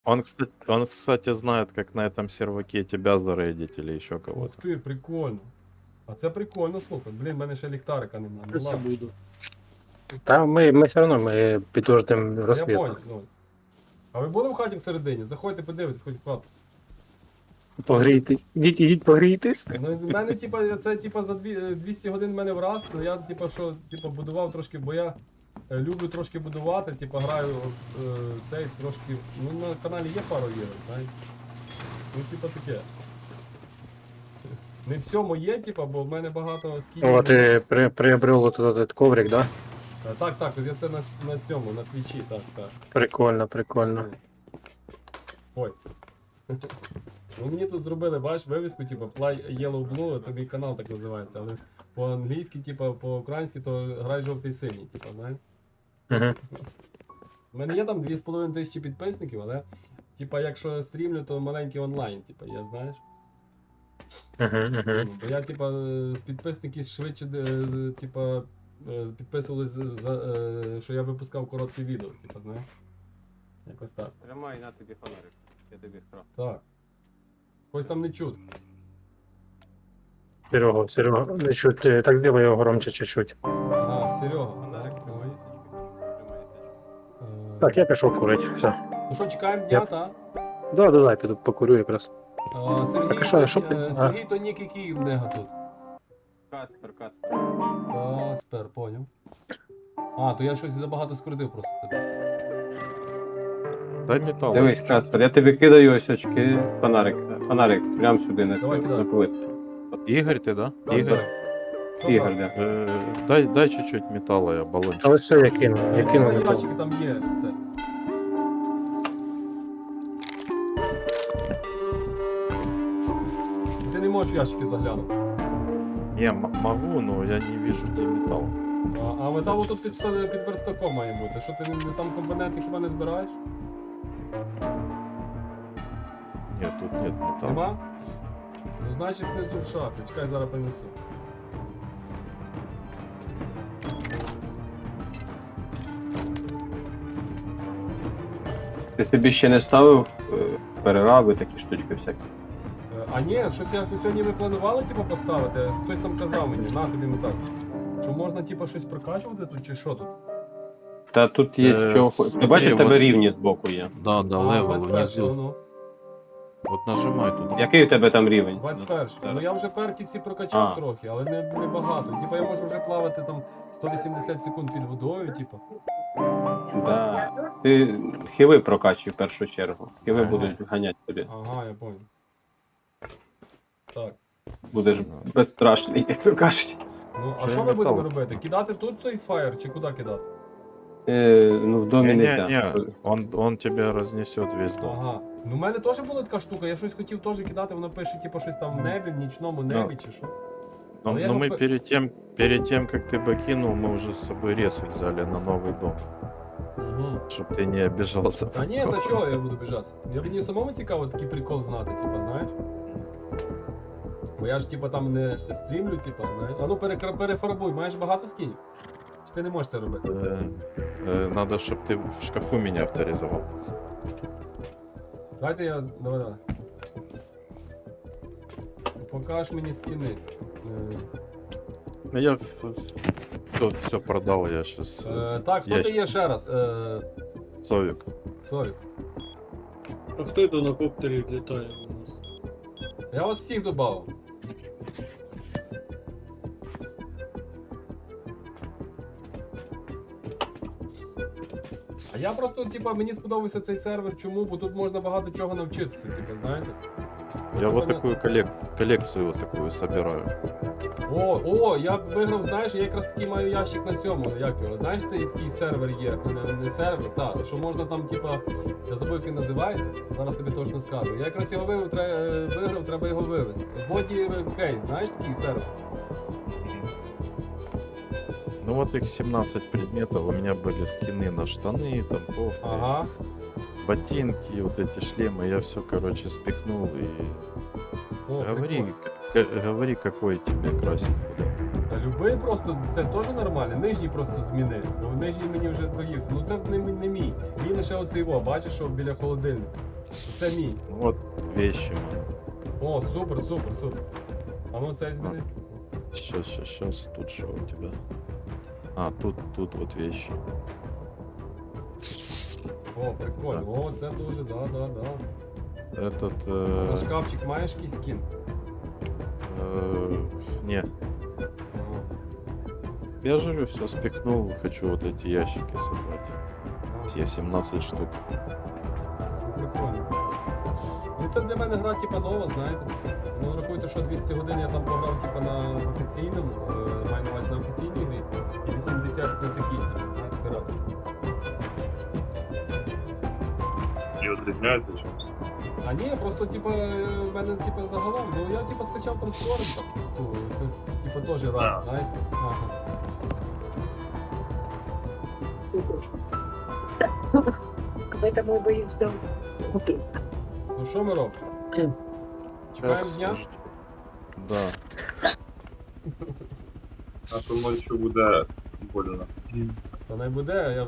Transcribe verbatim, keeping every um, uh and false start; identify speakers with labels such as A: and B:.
A: Он, кстати, он, кстати, знает, как на этом серваке тебя зарейдить или еще
B: Ух
A: кого-то.
B: ти, прикольно. А це прикольно, слухай. Блін, в мене ще ліхтарика немає. Ну
C: Це
B: ладно.
C: буду. Та ми, ми все одно ми підтвердимо
B: Я
C: розслід.
B: понял, ну. А ви були в хаті всередині? Заходьте, подивитесь, хоч в хату.
C: Погрійте. Ідіть, ідіть погрійтесь.
B: Ну, в мене, типа, це типа за дві- двісті годин в мене враз, то я, типа, що, типа, будував трошки, бо я е, люблю трошки будувати, типа, граю е, цей трошки. Ну, на каналі є пару ігор, знаєш. Ну, типа таке. Не все моє, типа, бо в мене багато скінів.
C: О, ти при, приобрел тут этот коврик, да?
B: Е, Так, так, я це на, на цьому, на твічі, так, так.
C: Прикольно, прикольно.
B: Ой. Ну мені тут зробили, бачиш, вивіску, типу, Play Yellow Blue, тобі канал так називається, але по-англійськи, типу, по-українськи, то грай жовтий синій, типу, знаєш.
C: Угу.
B: У мене є там дві з половиною тисячі підписників, але, типа, якщо стрімлю, то маленький онлайн, типа, я знаєш.
C: Угу, угу.
B: Ну, бо я, типа, е, підписники швидше, е, типа, е, підписувались, за, е, що я випускав короткі відео, типа, знаєш. Якось так.
D: Тримай на тобі фонарик. Я тобі вкрав.
B: Так. Ось там не чут.
C: Серега, Серега, не чуть, е, так сделай його громче чуть-чуть.
B: Ага, Серега,
D: Фонарик.
B: так, ой.
D: Тримай.
B: Е,
C: Так, я пішов курити. Все.
B: Ну що, чекаємо дня,
C: Я-
B: так?
C: Да, да, да, піду покурю якраз.
B: А, Сергій,
C: Так, а що,
B: то,
C: що
B: е,
C: ти-
B: Сергій то нік який в нього тут.
D: Каспер, Каспер.
B: Каспер, поняв. А, то я щось забагато скрутив просто тебе.
A: Дай металл.
D: Дивись, Каспер, я тобі кидаю ось очки. Фонарик. Фонарик прямо сюди на
B: Давай,
D: цю
B: кидай.
D: на плитку.
A: Игорь ты, да?
B: Так,
A: Игорь,
B: так. Що
D: Ігор,
B: там?
D: да.
A: э, дай, дай чуть-чуть металла, я баллончик.
C: А ось все, я кину. Я
B: Е,
C: кину
B: на
C: метал.
B: ящики там є це. Ти не можеш в ящики заглянути.
A: Не, м- могу, но я не вижу, где металл.
B: А, а металу тут під, ста- під верстаком має бути. Що ти не, не- там компоненти хіба не збираєш?
A: Нет, тут нет металла.
B: Нема? Ну значить внизу в шафі. Чекай, зараз принесу.
D: Ти собі ще не ставив е, перераби, такі штучки всякі.
B: Е, А ні, щось я сьогодні ми планували типу, поставити, хтось там казав мені, на тобі метал. Що можна типу, щось прокачувати тут чи що тут?
D: Та тут є
A: Е,
D: що. Ти
A: смотри,
D: бачиш, в тебе
A: от-
D: рівні збоку є.
A: Да, да,
B: А,
A: левел
B: двадцять перший,
A: внизу.
B: ну,
A: Вот нажимай туда.
D: Який у тебе там рівень?
B: двадцять перший.
D: Так.
B: Ну я вже перки ці прокачав
D: А.
B: трохи, але не, не багато. Типа я можу вже плавати там сто вісімдесят секунд під водою, типу.
D: Да. Ти хіви прокачуй в першу чергу. Хіви
B: Ага.
D: будуть ганяти тобі.
B: Ага, я понял. Так.
D: Будеш безстрашний, як то кажуть.
B: Ну, а
A: Це
B: що ми
A: метал.
B: будемо робити? Кидати тут цей фаєр чи куди кидати?
D: Е, ну в домі не
A: Не-не-не, он, он тебя разнесет весь дом.
B: Ага. Ну, в мене теж була така штука, я щось хотів теж кидати, воно пише, типу, щось там в небі, в нічному небі чи що.
A: Но,
B: Но я
A: но
B: его
A: мы
B: по-
A: перед тем, перед тем, как ты бы кинул, мы уже с собой рез взяли на новый дом.
B: Угу.
A: Чтоб ты не обижался.
B: А ні, та чого я буду біжатися? Я мені самому цікаво такий прикол знати, типа, знаєш? Бо я ж типа там не стрімлю, типа, знаєш. А ну перекра- перефарбуй, маєш багато скінів? Чи ти не можеш це робити?
A: Э, э, Надо, чтобы ты в шкафу меня авторизовал.
B: Дайте я. Давай, давай. Покаж мені скіни. Е,
A: Ну, я все, все продал, я сейчас...
B: е, так, хто ти є ще раз? Е,
A: Совик.
B: Совік.
E: А хто йде на коптері літає у нас?
B: Я вас всіх додав. А я просто, типа, мені сподобався цей сервер. Чому? Бо тут можна багато чого навчитися, типа, знаєте?
A: Я
B: От
A: вот
B: у мене-
A: такую коллек... коллекцию вот такую собираю.
B: О, о, я виграв, знаєш, я якраз такий маю ящик на цьому, як його, знаєш, ти такий сервер є, не, не сервер, так, що можна там, типа, я забув, як він називається, зараз тобі точно скажу. Я якраз його виграв, тре, виграв, треба його вивезти. Боді кейс, знаєш, такий сервер?
A: Ну вот их семнадцать предметов, у меня были скины на штаны, там кофты,
B: Ага.
A: ботинки, вот эти шлемы, я все, короче, спихнул и...
B: О,
A: Говори,
B: прикольно.
A: к- говори, какой тебе красить куда.
B: Та любий просто, це теж нормально, нижній просто зміни. Бо нижній мені вже доївся. Ну це не, мій- не мій. Мій лише оцей о, бачиш, що біля холодильника. Це мій.
A: Вот вещи.
B: О, супер, супер, супер. А ну цей зміни.
A: Сейчас, сейчас, сейчас. Тут что у тебя? А, тут, тут вот вещи.
B: О, прикольно. О, це дуже, да, да, да.
A: Этот...
B: На
A: Э,
B: шкафчик маєш якийсь скін?
A: э, не,
B: Ага.
A: я же все спекнул, хочу вот эти ящики собрать.
B: А,
A: Я семнадцать штук.
B: ну, прикольно. Ну це для мене гра типа нова, знаєте. Ну рахуйте, що двісті годин я там пограв типа на офіційному, е, маю на увазі на офіційній грі, і вісімдесят на такій, типу, знаєте, піратській.
F: І відрізняється чимось.
B: А ні, просто типа е, в мене типа загалом, ну я типа скачав там створенка. Ну, це типа теж раз,
F: А.
B: знаєте. Ага.
G: Поэтому боюсь дом.
B: Ну що ми робимо? Чекаємо
A: Щас,
B: дня?
A: жд- Да.
F: А то ночі буде больно.
B: Та не буде, я